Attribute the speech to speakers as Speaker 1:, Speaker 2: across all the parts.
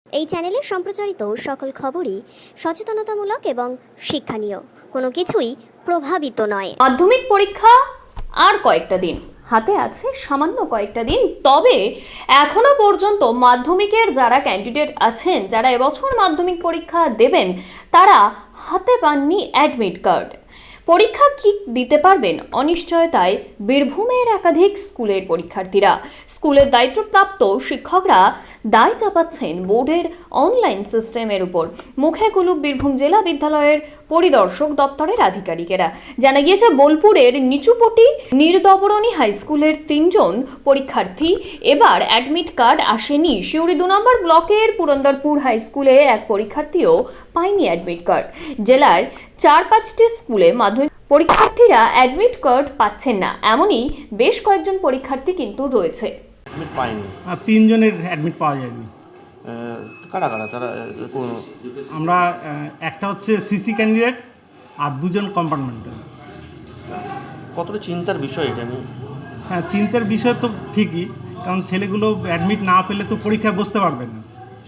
Speaker 1: এই চ্যানেলে সম্প্রচারিত সকল খবরই সচেতনতামূলক এবং শিক্ষণীয়, কোনো কিছুই প্রভাবিত নয়।
Speaker 2: মাধ্যমিক পরীক্ষা আর কয়েকটা দিন হাতে আছে, সামান্য কয়েকটা দিন। তবে এখনো পর্যন্ত মাধ্যমিকের যারা ক্যান্ডিডেট আছেন, যারা এবছর মাধ্যমিক পরীক্ষা দেবেন, তারা হাতে পাননি অ্যাডমিট কার্ড। পরীক্ষা কি দিতে পারবেন অনিশ্চয়তায় বীরভূমের একাধিক স্কুলের পরীক্ষার্থীরা। স্কুলের দায়িত্বপ্রাপ্ত শিক্ষকরা দায় চাপাচ্ছেন বোর্ডের অনলাইন সিস্টেমের উপর। মুখে কুলুপ বীরভূম জেলা বিদ্যালয়ের পরিদর্শক দপ্তরের আধিকারিকেরা। জানা গিয়েছে, বোলপুরের নিচুপটি নির্দবরণী হাই স্কুলের 3 জন পরীক্ষার্থী এবার অ্যাডমিট কার্ড আসেনি। সিউড়ি 2 নম্বর ব্লকের পুরন্দরপুর হাই স্কুলে এক পরীক্ষার্থীও পায়নি অ্যাডমিট কার্ড। জেলার 4-5টি স্কুলে মাধ্যমিক পরীক্ষার্থীরা অ্যাডমিট কার্ড পাচ্ছেন না, এমনই বেশ কয়েকজন পরীক্ষার্থী কিন্তু রয়েছে।
Speaker 3: অ্যাডমিট পাইনি।
Speaker 4: 3 জনের অ্যাডমিট পাওয়া যায়নি।
Speaker 3: কারা কারা তারা?
Speaker 4: আমরা একটা হচ্ছে সিসি ক্যান্ডিডেট আর 2 জন কম্পার্টমেন্টাল।
Speaker 3: কতটা চিন্তার বিষয় এটা নিয়ে?
Speaker 4: হ্যাঁ, চিন্তার বিষয় তো ঠিকই, কারণ ছেলেগুলো অ্যাডমিট না পেলে তো পরীক্ষায় বসতে পারবে না।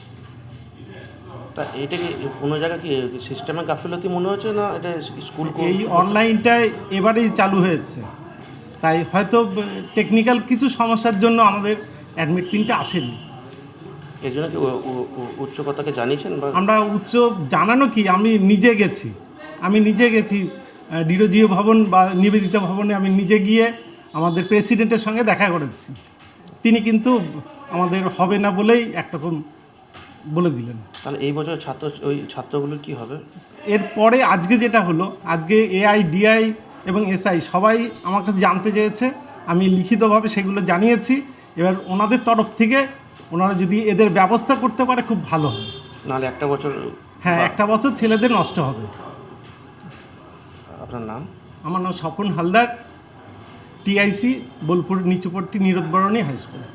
Speaker 3: তা এটা কি কোনো জায়গায় কি সিস্টেমে গাফিলতি মনে হচ্ছে না? এটা স্কুল
Speaker 4: এই অনলাইনটাই এবারেই চালু হয়েছে, তাই হয়তো টেকনিক্যাল কিছু সমস্যার জন্য আমাদের অ্যাডমিট প্রিন্টটা আসেনি।
Speaker 3: এর জন্য কি উচ্চকতাকে জানিয়েছেন? বা
Speaker 4: আমরা উচ্চ জানানো কি, আমি নিজে গেছি ডিরোজিও ভবন বা নিবেদিতা ভবনে আমি নিজে গিয়ে আমাদের প্রেসিডেন্টের সঙ্গে দেখা করেছি। তিনি কিন্তু আমাদের হবে না বলেই একরকম বলে দিলেন।
Speaker 3: তাহলে এই বছর ছাত্রগুলোর কি হবে?
Speaker 4: এরপরে আজকে যেটা হলো, আজকে এআই, ডিআই এবং এসআই সবাই আমার কাছে জানতে চেয়েছে, আমি লিখিতভাবে সেগুলো জানিয়েছি। এবার ওনাদের তরফ থেকে ওনারা যদি এদের ব্যবস্থা করতে পারে খুব ভালো হবে।
Speaker 3: নাহলে একটা বছর,
Speaker 4: হ্যাঁ, একটা বছর ছেলেদের নষ্ট হবে।
Speaker 3: আপনার নাম?
Speaker 4: আমার নাম Swapan Haldar, TIC Bolpur Nichupatti Nirodbarani high school.